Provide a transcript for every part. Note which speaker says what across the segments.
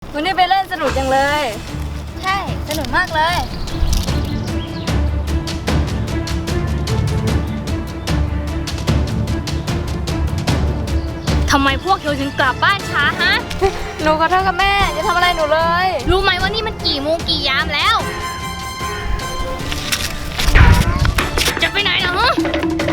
Speaker 1: วันนี้ไปเล่นสนุกจังเลย
Speaker 2: ใช่สนุกมากเลย
Speaker 3: ทำไมพวกเธอถึงกลับบ้านช้าฮะ
Speaker 1: หนูขอโทษค่ะแม่อย่าทำอะไรหนูเลย
Speaker 3: รู้ไหมว่านี่มันกี่โมงกี่ยามแล้ว จะไปไหนเหรอฮะ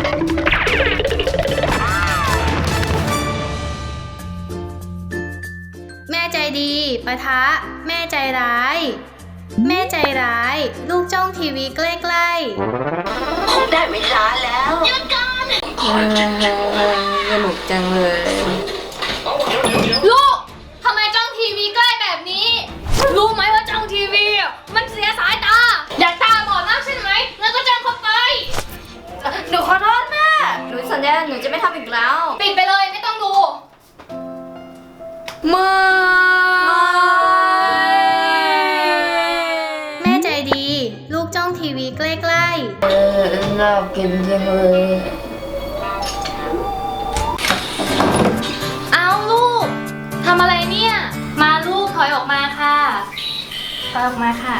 Speaker 3: แม่ใจดีปะทะแม่ใจร้าย แม่ใจร้าย ลูกจ้องทีวีใกล้ๆผมได้เวลาแล้วหยุดก่อน
Speaker 1: สนุกจังเลย
Speaker 3: ลูกทำไมจ้องทีวีใกล้แบบนี้ รู้ไหมว่าจ้องทีวีอ่ะมันเสียสายตา อยากตาบอดมากใช่ไหมแล้วก็จ้องเข้าไป
Speaker 1: หนูขอโทษแม่หนูสัญญาหนูจะไม่ทำอีกแล้ว
Speaker 3: ปิดไปเลยไม่ต้องดู แม่ใจดี ลูกจ้องทีวีใกล้ๆ
Speaker 1: น่ากินจังเลย
Speaker 3: เอาลูกทำอะไรเนี่ย มาลูกถอยออกมาค่ะถอยออกมาค่ะ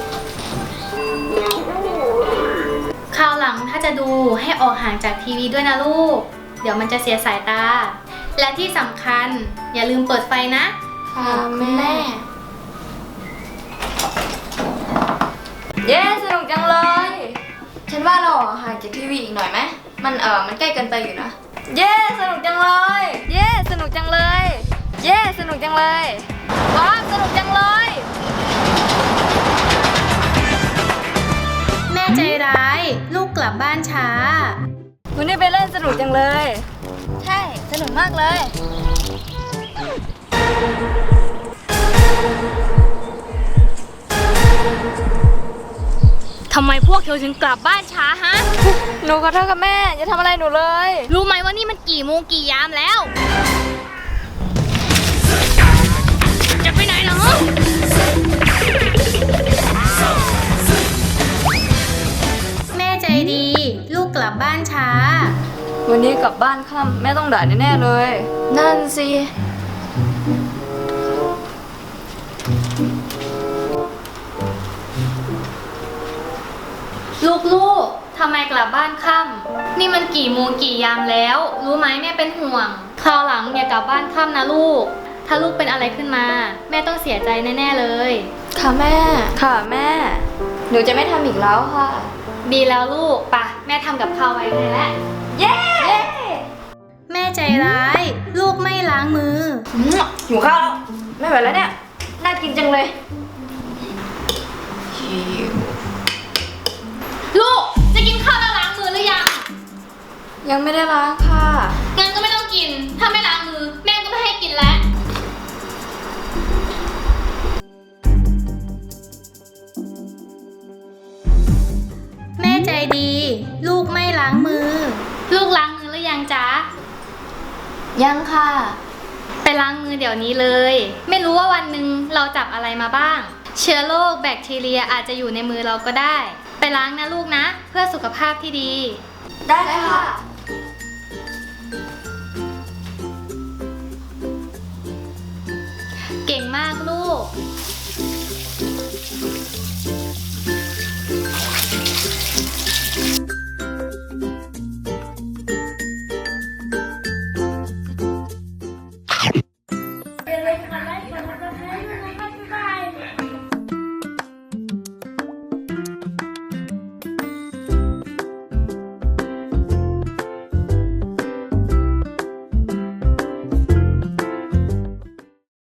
Speaker 3: คราวหลังถ้าจะดูให้ออกห่างจากทีวีด้วยนะลูก เดี๋ยวมันจะเสียสายตา และที่สำคัญอย่าลืมเปิดไฟนะ
Speaker 1: ค่ะแม่ เย้สนุกจังเลย ฉันว่าเราห่างจากทีวีอีกหน่อยไหมมันใกล้เกินไปอยู่นะ เย้สนุกจังเลย เย้สนุกจังเลย เย้สนุกจังเลยว้าวสนุกจังเลย
Speaker 3: แม่ใจร้าย ลูกกลับบ้านช้า
Speaker 1: วันนี้ไปเล่นสนุกจังเลย
Speaker 2: ใช่สนุกมากเลย
Speaker 3: ทำไมพวกเธอถึงกลับบ้านช้าฮะ
Speaker 1: หนูขอโทษค่ะแม่อย่าทำอะไรหนูเลย
Speaker 3: รู้ไหมว่านี่มันกี่โมงกี่ยามแล้ว จะไปไหนเหรอ แม่ใจดี ลูกกลับบ้านช้า
Speaker 1: วันนี้กลับบ้านค่ำแม่ต้องด่าแน่ๆเลย นั่นสิ
Speaker 3: ลูกๆ ทำไมกลับบ้านค่ำนี่มันกี่โมงกี่ยามแล้ว รู้ไหมแม่เป็นห่วง คราวหลังอย่ากลับบ้านค่ำนะลูก ถ้าลูกเป็นอะไรขึ้นมา แม่ต้องเสียใจแน่ๆเลย
Speaker 1: ค่ะแม่ ค่ะแม่ หนูจะไม่ทำอีกแล้วค่ะ
Speaker 3: ดีแล้วลูกป่ะแม่ทำกับข้าวไว้ให้แล้ว
Speaker 1: เย้
Speaker 3: แม่ใจร้าย ลูกไม่ล้างมือ
Speaker 1: หิวข้าวแล้ว ไม่ไหวแล้วเนี่ย น่ากินจังเลย
Speaker 3: ลูกจะกินข้าวแล้วล้างมือหรือยัง
Speaker 1: ยังไม่ได้ล้างค่ะ
Speaker 3: งั้นก็ไม่ต้องกิน ถ้าไม่ล้างมือ แม่ก็ไม่ให้กินแล้ว แม่ใจดี ลูกไม่ล้างมือ ลูกล้างมือหรือยังจ๊ะ
Speaker 1: ยังค่ะ
Speaker 3: ไปล้างมือเดี๋ยวนี้เลย ไม่รู้ว่าวันหนึ่งเราจับอะไรมาบ้าง เชื้อโรคแบคทีเรียอาจจะอยู่ในมือเราก็ได้ ไปล้างนะลูกนะ เพื่อสุขภาพที่ดี
Speaker 1: ได้ค่ะ
Speaker 3: เก่งมากลูก